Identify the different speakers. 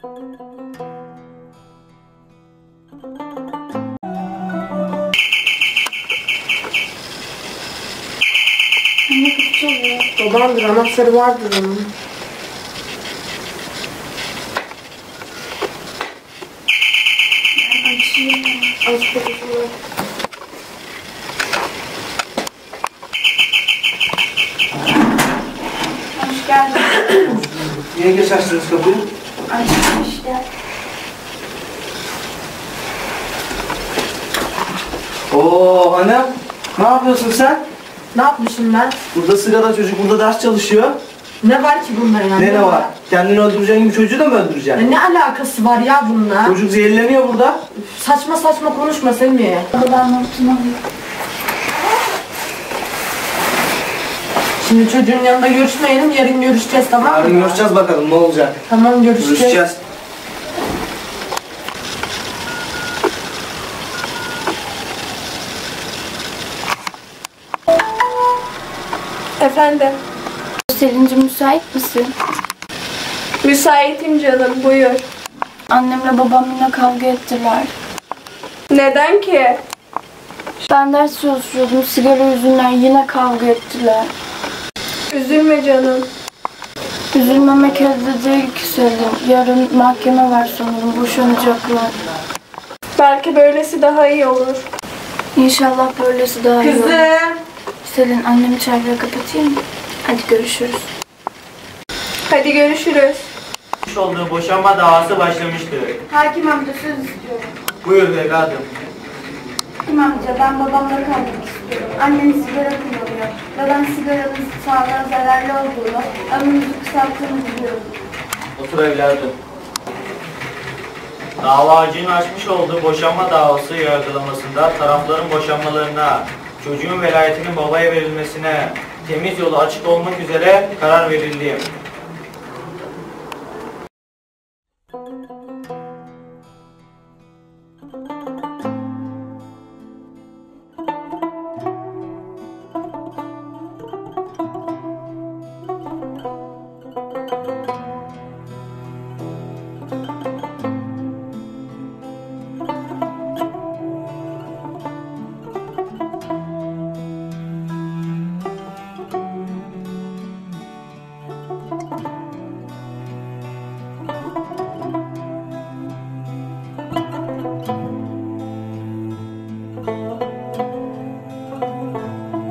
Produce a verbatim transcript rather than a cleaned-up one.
Speaker 1: Anne kapı çalıyor.
Speaker 2: Babandır, anahtarı vardır onun.
Speaker 1: Ben açayım.
Speaker 2: Aç kapısını.
Speaker 1: Hoş geldin.
Speaker 3: Niye geç açtınız kapıyı?
Speaker 1: Açtım işte.
Speaker 3: Oo hanım, ne yapıyorsun sen?
Speaker 2: Ne yapmışım ben?
Speaker 3: Burada sigara çocuk, burada ders çalışıyor.
Speaker 2: Ne var ki bunda yani?
Speaker 3: Ne ne var? Kendini öldüreceğin gibi çocuğu da mı
Speaker 2: Ya
Speaker 3: öldüreceksin?
Speaker 2: ne alakası var ya bununla?
Speaker 3: Çocuk zehirleniyor burada.
Speaker 2: Saçma saçma konuşma Semih.
Speaker 1: Baba ben notunu alayım.
Speaker 2: Şimdi çocuğun yanında görüşmeyelim, yarın görüşeceğiz, tamam mı?
Speaker 3: Yarın görüşeceğiz bakalım ne olacak.
Speaker 2: Tamam, görüşeceğiz.
Speaker 3: Görüşeceğiz.
Speaker 4: Efendim,
Speaker 1: Selin'cim müsait misin?
Speaker 4: müsaitim canım, buyur.
Speaker 1: Annemle babam yine kavga ettiler.
Speaker 4: Neden ki?
Speaker 1: Ben ders çalışıyordum, sigara yüzünden yine kavga ettiler.
Speaker 4: Üzülme canım.
Speaker 1: Üzülmemek elde değil ki Selin. Yarın mahkeme var sanırım, boşanacaklar.
Speaker 4: Belki böylesi daha iyi olur.
Speaker 1: İnşallah böylesi daha iyi olur.
Speaker 2: Kızım.
Speaker 1: Selin, annemi çağırıyor, kapatayım mı? Hadi görüşürüz.
Speaker 4: Hadi görüşürüz.
Speaker 5: olduğu boşanma davası başlamıştır.
Speaker 1: Hakim amca söz istiyorum.
Speaker 5: Buyur evladım.
Speaker 1: Hakim amca, ben babamla kalmak istiyorum. Annem sigara kullanıyor ve ben sigaranın sağlığa zararlı olduğunu, ömrümüzü kısalttığını biliyorum.
Speaker 5: Otur evladım. Davacının açmış olduğu boşanma davası yargılamasında tarafların boşanmalarına, çocuğun velayetinin babaya verilmesine, temiz yolu açık olmak üzere karar verildi.